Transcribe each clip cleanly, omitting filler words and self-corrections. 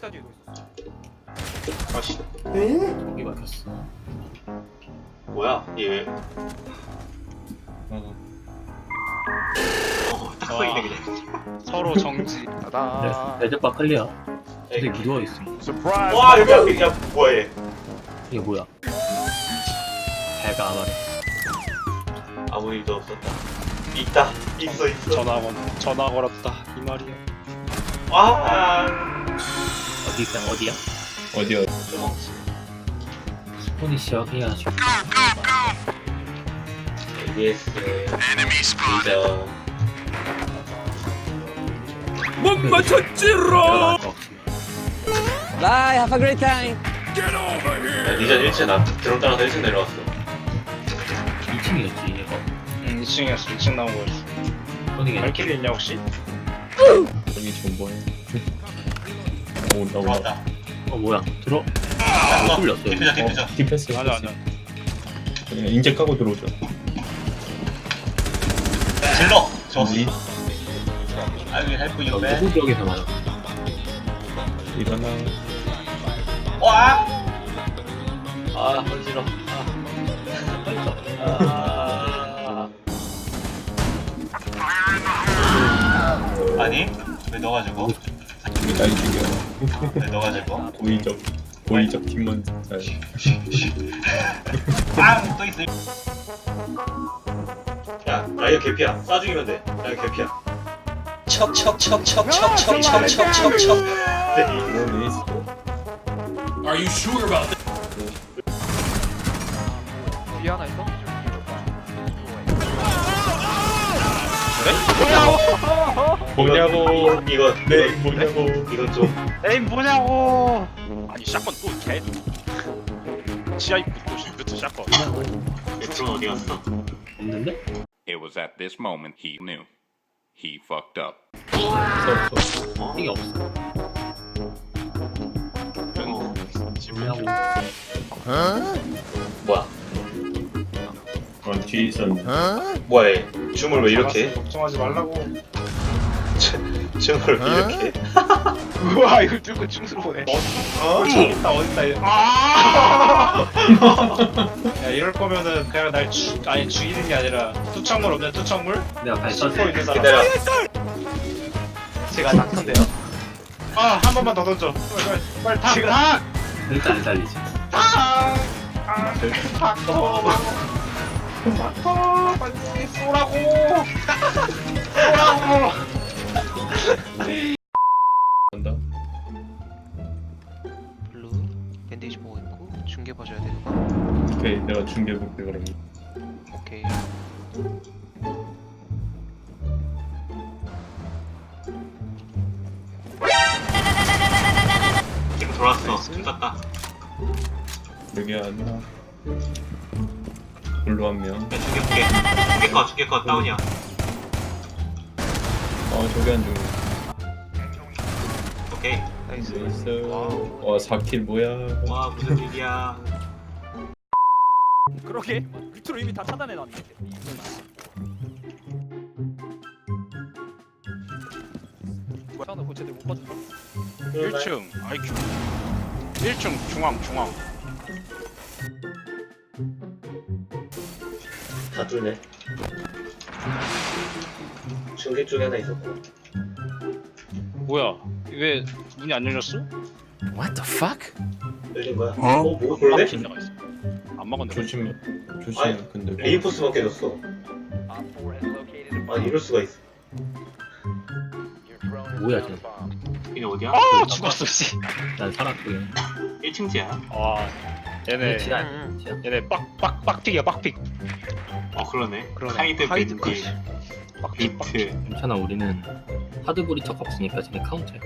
식탁 뒤에 누워있었어. 아씨 거기 막혔어. 뭐야 얘 왜? 딱 보이네 그냥. 서로 정지. 따다. 레드바 클리어. 되게 누워있어. 와 여기 야 뭐야 얘? 이게 뭐야? 배가 아마래. 아무 일도 없었다. 있다 있어. 전화 걸었다 이 말이야. 와 어디야? 어디요? 먹지. 스포니시어 해야죠. ABS 리더. 못 맞췄지롱! Bye, have a great time. 리전 1층 나 드론 따라서 1층 내려왔어. 2층이었지 얘가. 2층이었어. 2층 나온 거였어. 스포니게 발키리 있냐 혹시? 여기 정보해. 온다 온다. 왔다. 뭐야? 들어? 못 뚫렸어. 디퓨저 디퓨저. 디펜스. 맞아 맞아. 그냥 인젝 까고 들어오죠. 질러. 좋았어. 리 I will help you man. 누구 지역에서 맞아? 일어나. 와. 아 어지러. 아니 왜 너가 죽어? 날 죽여. 왜 너가 죽어? 고의적 팀원 잘. 빵또 있어. 야 라이어 개피야. 쏴 죽이면 돼. 라이어 개피야. 척척척척척척척척척척. 네. 이거는 있어. 뒤에 하나 있어? 뭐냐고. 이거 네 뭐냐고. 이건 좀 에이 뭐냐고. 아니 샷건 또 개. 지하 입구부터 샷건. 드론 어디 갔어? 없는데? It was at this moment he knew. He fucked up. 이게 없어. 뭐냐고. 뭐야? 뒤에 있었는데. 뭐야 얘? 춤을 왜 이렇게 해? 걱정하지 말라고. 춤을 왜 이렇게 해? 우와 이걸 들고 춤수로 보네. 어딨다 어딨다 얘. 야 이럴 거면은 그냥 날 죽이는 게 아니라 투척물 없냐 투척물? 내가 발사. 씹고 있는 사람. 기다려. 제가 닥터인데요. 아 한 번만 더 던져. 빨리 탁 탁. 일단 안 살리지. 탁. 빨리 쏘라고. 쏘라고. 간다. 블루 밴데이지 보고 있고 중계 봐줘야 되는 거. 오케이 내가 중계 볼게 그럼. 오케이. 지금 돌았어. 춤췄다. 여기 하나. 블루 한 명. 야 죽게 컷 다운이야. 저기 한 중. 오케이. 나이스. 있어. 와우. 와 4킬 뭐야. 와 무슨 일이야. 그러게 밑으로 이미 다 차단해놨네. 차는 그 쟤들 못 봐준다. 1층 IQ. 1층 중앙. 다 뚫네. 중계 쪽에 하나 있었고. 뭐야? 왜 문이 안 열렸어? 열린 거야? 뭐가 그러네? 막힌 데가 있어. 안 막은 데가 있어. 조심해. 아니, 근데. 레인포스만 깨졌어. 아니 이럴 수가 있어. 뭐야 쟤? 이게 어디야? 아 죽었어 씨. 난 살았고. 1층지야. 아 얘네 지하. 얘네 빡픽이야 빡픽. 그러네. 그러네. 하이드 하이드까지. 비트. 비트. 괜찮아 우리는 하드 브리처가 없으니까 쟤네 카운터야.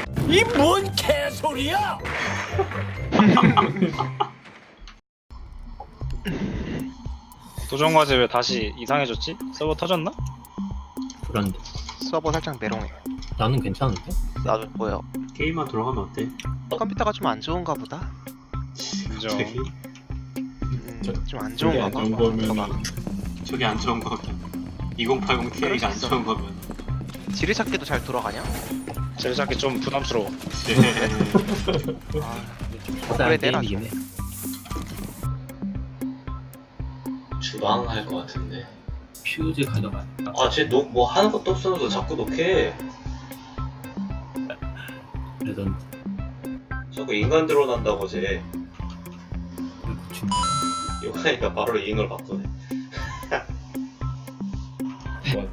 도전과제 왜 다시 이상해졌지? 서버 터졌나? 그런데 서버 살짝 메롱해. 나는 괜찮은데? 나도 보여. 게임만 돌아가면 어때? 컴퓨터가 좀 안 좋은가 보다. 인정. 좀 안 저기 좋은가 안 봐. 좋은 거면 저게 안 좋은 거면 2080 Ti가 안 좋은 거면 지뢰찾기도 잘 돌아가냐? 제작이 좀 부담스러워. 가장 그래, 내놔. 게임이긴 해. 주방 할 것 같은데. 퓨즈 가져가. 쟤뭐 하는 것도 없으면서 자꾸 녹해. 레전드. 자꾸 인간 드러난다고 쟤. 고충. 이거 하니까 바로 잉을 바꾸네. 뭐,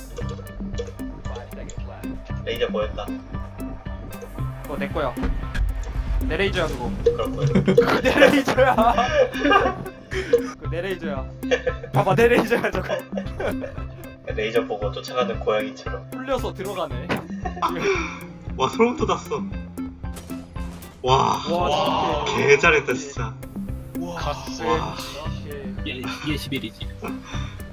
레이저 보였다. 그거 내 거야. 내 레이저야 그거. 그럴 거야. 그거 내 레이저야. 그거 내 레이저야. 봐봐 내 레이저야 저거. 레이저 보고 쫓아가는 고양이처럼. 풀려서 들어가네. 와 소름 돋았어. 와. 와 진짜. 개 잘했다 진짜. 가스. 와. 이게 11이지.